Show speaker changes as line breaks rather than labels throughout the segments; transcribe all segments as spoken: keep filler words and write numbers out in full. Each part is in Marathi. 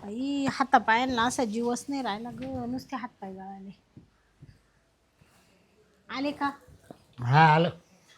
आई हातापायांना असा जीवच नाही राहिला ग, नुसते हातपाय गळाले. आले का?
हा आलो.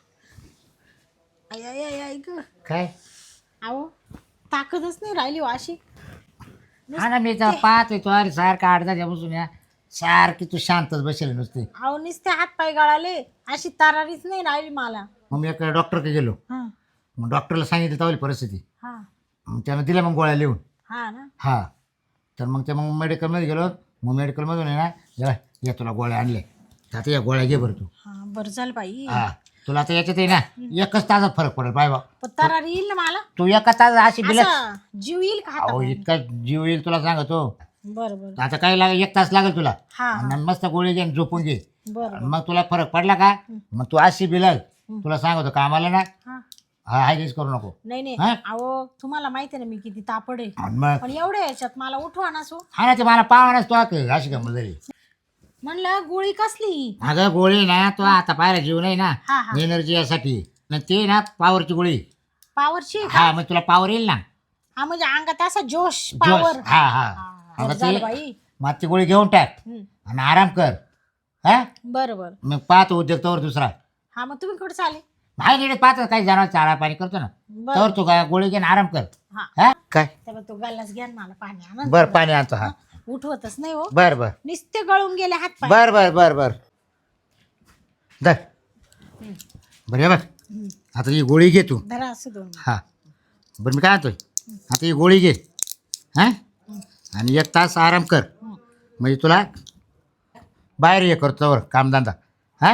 आई आई आई आई ग,
काय?
अहो ताकदच नाही राहिली हो अशी.
हा ना, मी तर पाहतोय तू अरे सारखा अर्धा बसून या सारखी तू शांतच बसेल नुसती.
अहो नुसते हातपाय गळाले, अशी तरारीच नाही राहिली मला.
मग मी एका डॉक्टरकडे गेलो.
हा
मग डॉक्टरला सांगितलं तेवढी परिस्थिती.
हा
मग त्यानं दिल्या मग गोळ्या लिहून.
हा ना.
हा तर मग ते मग मेडिकलमध्ये गेलो. मग मेडिकलमधून आहे ना या या तुला गोळ्या आणल्या, तर आता या गोळ्या घे बरं तू.
हा बरं झालं बाई.
हा तुला आता याच्यात आहे ना एकच तासात फरक पडेल बाय बा.
पण तरारी येईल ना मला,
तू एका तास अशी बिल.
असा जीव येईल का
अहो
हाता?
इतका जीव येईल तुला सांगतो.
बरं बरं.
आता काय लागेल, एक तास लागेल तुला.
हा हा
आणि मस्त गोळी घे आणि झोपून घे.
बरं
मग तुला फरक पडला का मग तू अशी बिलल. तुला सांगतो कामाला ना
हा.
हा हायच करू नको.
नाही नाही
हा?
अहो तुम्हाला माहिती आहे ना मी किती तापड आहे,
आणि मग
पण एवढ्या याच्यात मला उठवा ना सो.
हा ना ते मला पाहण्यास तो आता अशी गंमत झाली.
म्हणलं गोळी कसली?
अगं गोळी ना तो आता पाहायला जीव नाही ना
हा हा
एनर्जी यासाठी ना ते ना पॉवरची गोळी.
पावरची का?
हा मग तुला पॉवर येईल ना.
हा म्हणजे अंगात असा जोश
जोश.
पावर.
हा हा
बरं
अगं
झालं
ते
बाई.
मग ती गोळी घेऊन टाक
हम्म.
आणि आराम कर. हा
बरं बरं.
मग पाहतो उद्योग तोवर दुसरा.
हा मग तुम्ही कुठे चाले?
नाही नीट पाहतो काही जनावर चारा पाणी करतो ना
बरं.
तोवर तू काय गोळी घेऊन आराम कर.
हा
हा काय
तेव्हा तो गल्लाच घ्या ना मला पाणी आणा.
बर पाणी आणतो. हा
उठवतच नाही हो,
बर बर
नुसते गळून गेले हात पाय.
बर बर बर बर धर. बरं हे बघ आता ही गोळी घे तू.
धरा असं दोन.
हा बरं मी काय म्हणतोय आता ही गोळी घे. हा आणि एक तास आराम कर म्हणजे तुला बाहेर हे करतो वर कामधंदा. हा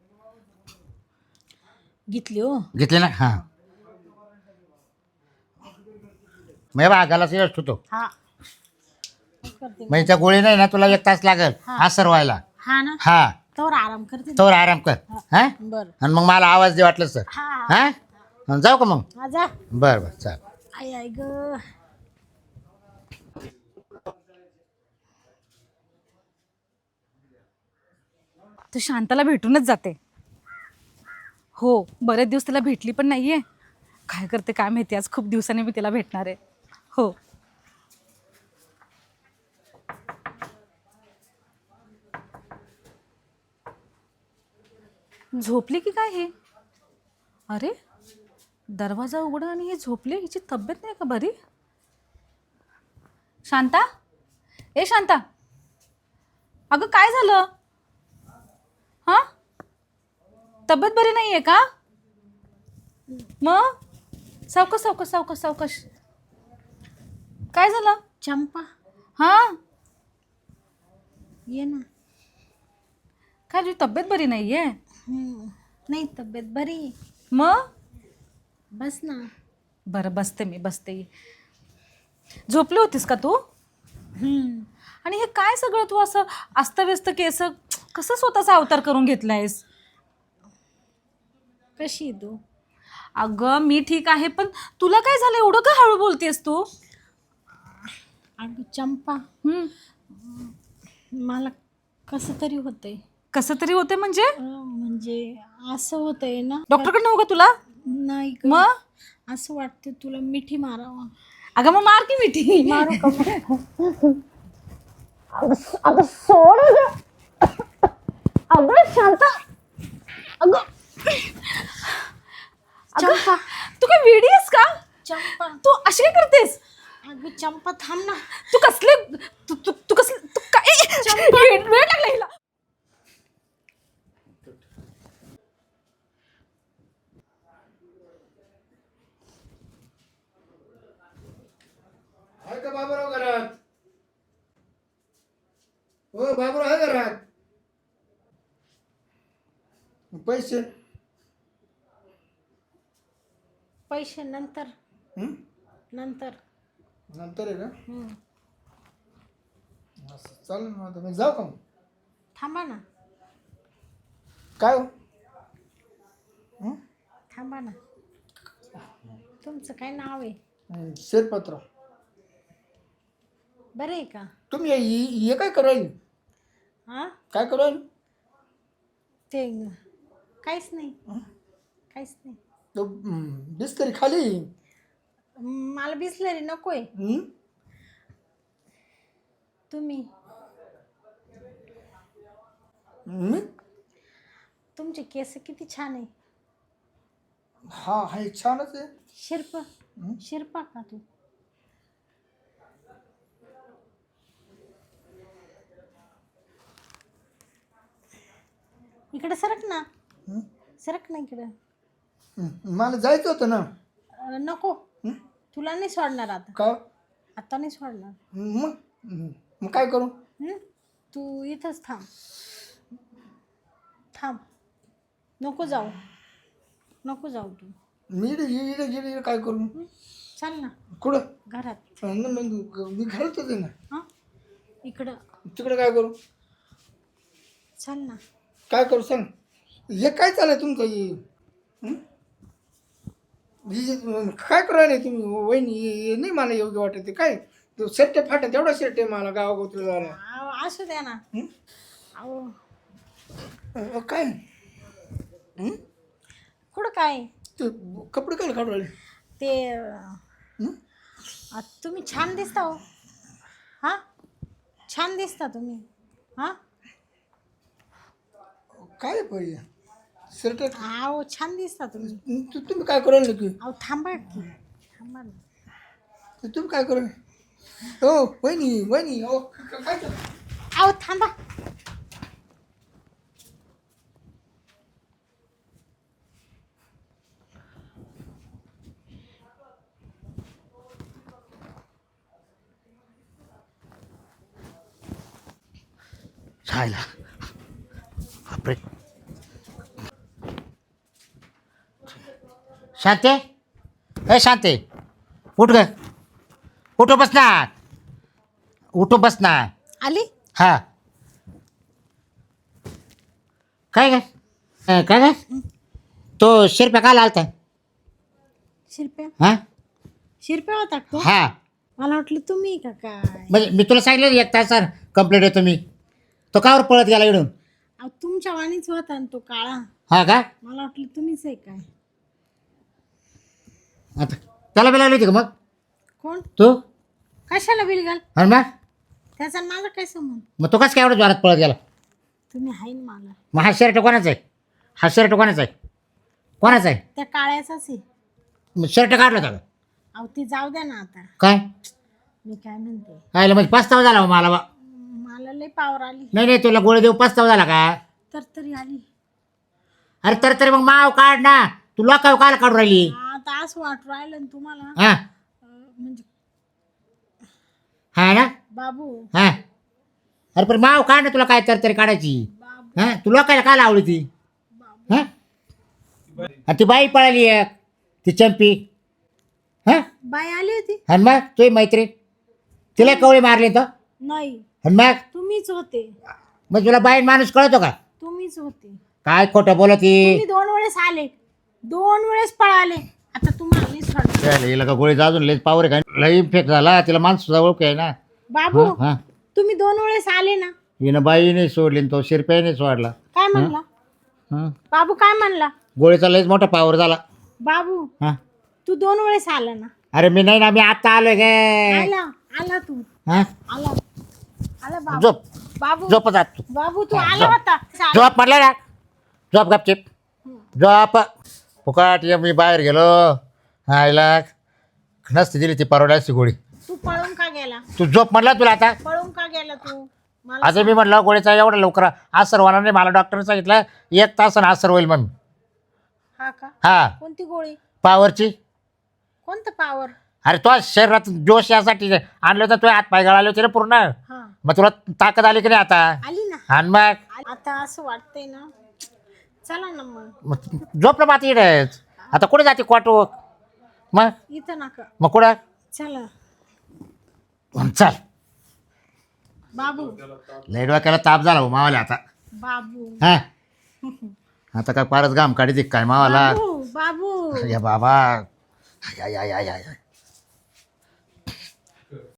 घेतली हो.
घेतले ना. हां मग बा गाला सिरस ठेवतो
हा करते.
म्हणजे त्या गोळी नाही ना तुला एक तास लागेल असर व्हायला.
हा ना
हा
तर आराम करते.
तोवर आराम कर. हा
बर.
आणि मग मला आवाज दे वाटलं सर.
हा
हा आणि जाऊ का मग?
हा जा.
बरं बरं चाल.
आई आई ग.
तर शांताला भेटूनच जाते. हो बरेच दिवस तिला भेटली पण नाहीये. काय करते काय माहिती, आज खूप दिवसांनी मी तिला भेटणार आहे. हो झोपली की काय हे? अरे दरवाजा उघडा आणि हे झोपले. हिची तब्येत नाही का बरी? शांता, ए शांता, अगं काय झालं? हां तब्येत बरी नाही आहे का? मग सावकाश सावकाश सावकाश सावकाश. काय झालं?
चंपा
हां
ये ना.
काय तुझी तब्येत बरी नाही आहे?
हम्म. नाही तब्येत बरी.
मग
बस ना.
बरं बसते मी बसते. झोपली होतीस का तू?
हम्म.
आणि हे काय सगळं तू असं अस्तव्यस्त केस कसं स्वतःचा अवतार करून घेतलायस?
कशी आहे तू?
अगं मी ठीक आहे, पण तुला काय झालं एवढं का हळू बोलतेस तू?
अगं चंपा
हम्म.
मला कसं तरी होतंय.
कसं तरी होते म्हणजे?
अं, म्हणजे असं होतंय ना.
डॉक्टरकडे नव्हतं का तुला?
नाही ग.
मग
असं वाटतं तुला मिठी मारावं.
अगं मग मार की मिठी.
मारू का मग? अगं सोड ग. अगं शांता. अगं चंपा.
तू काय वेडी आहेस का?
चंपा
तू अशी काय करतेस?
अगं चंपा थांब ना.
तू कसले तू तू तू कसले तू काय वेळ वेळ लागला हिला.
आहे का बाबूराव घरात? हो बाबूराव आहे घरात. पैसे
पैसे नंतर.
हं?
नंतर.
नंतर आहे का?
हम्म.
असं चालेल ना. आता मी जाऊ का मग?
थांबा ना.
काय हो? हं?
थांबा ना. तुमचं काय नाव आहे?
हं, शेरपत्र.
बरं आहे का?
तुम्ही हे- हे हे काय करायला?
हा
काय करायला?
ते काहीच नाही. काहीच नाही.
तो बिस्करी खाली.
मला बिसलरी नकोय.
हं?
तुम्ही
मी
तुमचे केस किती छान आहे.
हा हा छानच आहे.
शिरप शिरपा का तू? इकडे सरक ना, सरक ना इकडे.
हं, मला जायचं होतं ना.
अं, नको, तुला नाही सोडणार आता.
का
आता नाही सोडणार.
मग हं, मग काय करू?
हं? तू इथंच थांब, थांब. नको जाऊ, नको जाऊ तू.
मी इकडे इकडे इकडे इकडे काय करू?
हं? चल ना
कुठं?
घरात.
हं, ना मग मी घरातच आहे ना.
हां इकडं
तिकडे काय करू?
चल ना.
काय करू सांग. हे काय चाललंय तुमचं हे? हं? हे जे काय करू राहिले तुम्ही वहिनी? हे नाही मला योग्य वाटत. काय तो शर्ट फाटत एवढा शर्ट आहे मला गावागोत्र झाला.
अहो, असू द्या ना.
हं?
अहो
अं, काय हं?
कुठं काय
ते कपडे काय काढू राहिले?
ते अं,
हं?
आ, तुम्ही छान दिसता हो. हां छान दिसता तुम्ही. हां
काय पाहिजे शर्ट?
अहो छान दिसता तुम्ही.
तू तुम्ही काय करू राहिले की?
अहो थांबा की, थांबा ना.
तर तुम्ही काय करू? हो वहिनी वहिनी हो क- काय चाललं?
अहो थांबा.
छायला बापरे. शांते, ए शांते, उठ ग, उठो बस ना, उठो बस ना.
आली.
हा काय काय अं, काय काय तो शिरप्या काल आलता?
शिरप्या
हा
शिरप्या होता का तो?
हा
मला वाटलं तुम्ही का काय.
म्हणजे मी तुला सांगितलं एक तास कंप्लेंट येतो मी. तो कावर पळत गेला इकडून?
अहो तुमच्या वाणीच होता ना तो काळा.
हा का?
मला वाटलं तुम्हीच आहे काय.
आता त्याला बी लागली होती का मग
कोण?
तू?
कशाला बिलगाल?
आणि मग
त्याचा आणि माझा काय संबंध?
मग तो कसं काय एवढं जोरात पळत गेला?
तुम्ही आहे ना मला.
मग हा शर्ट कोणाचा आहे? हा शर्ट कोणाचा आहे? कोणाचा आहे?
त्या काळ्याचाच आहे.
मग शर्ट काढला होता का?
अहो ती जाऊ द्या ना आता.
काय
मी काय म्हणते,
आयला म्हणजे पस्तावा झाला हो मला बा.
मला लय पावर आली.
नाही नाही तुला गोळी देऊ पस्तावा झाला का?
तर तरी आली.
अरे तर तरी मग माव काढ ना. तू लोकाव काल काढून राहिली?
आता असं वाटू राहिलं ना तुम्हाला.
हा
अं, म्हणजे
हा ना
बाबू
हा. अरे पण माव काढ ना, तुला काय तर तरी काढायची.
बाबू
हा तू लोकायला काय आवडी ती? हा आणि ती बाई पळाली एक, ती चंपी. हा
बाई आली होती.
आणि मग तुझी मैत्रीण तिला कवळी मारली तर?
नाही
आणि मग
तुम्हीच होते.
मग तुला बाई माणूस कळतो का?
तुम्हीच होते.
काय खोटं बोलत ही?
तुम्ही दोन वेळेस आले, दोन वेळेस पळाले. आता तुम्हाला नाही सोडणार.
हिला का गोळी अजून लई पावर आहे का? लई इन्फेक्ट झाला तिला, माणसाचा ओळख आहे ना.
बाबू
हा
तुम्ही दोन वेळेस आले ना.
हिनं बाई नाही सोडली आणि तो शिरप्याही नाही सोडला.
काय म्हणला
हा
बाबू? काय म्हणला
गोळीचा लईच मोठा पावर झाला.
बाबू?
हा
तू दोन वेळेस आला ना.
अरे मी नाही ना, मी आता आलोय गे.
आला आला तू
हा
आला आला बाबू.
झोप
बाबू
झोप जात तू.
बाबू तू
हा,
आला
झोप.
होता.
झोप म्हटलं ना, झोप गपचिप झोप. फुकाट ये मी बाहेर गेलो. आईला नसती दिली ती परवड्याची गोळी.
तू पळून का गेला?
तू झोप म्हटलं तुला आता.
पळून का गेला तू मला?
आता मी म्हटलं गोळीचा एवढा लवकर असर होणार नाही. मला डॉक्टरने सांगितलं एक तासानं असर होईल म्हणून.
हा का?
हा
कोणती गोळी?
पावरची.
कोणतं पावर?
अरे तो शरीरात जोश यासाठी आणलं होतं, तुझे हात पाय गळाले होते ना पूर्ण.
हा
मग तुला ताकद आली की नाही आता?
आली ना.
आणि मग
आता असं वाटतंय ना, चला ना मग.
मग झोपलं माती इकडेच. आता कुठे जाते क्वाटो? मग
इथं नका,
मग कुठं?
चला
चल.
बाबू.
लय डोक्याला ताप झाला हो मावाला आता.
बाबू
हा आता काय पारच घाम काढी काय मावाला?
बाबू बाबू
या बाबा. या या या या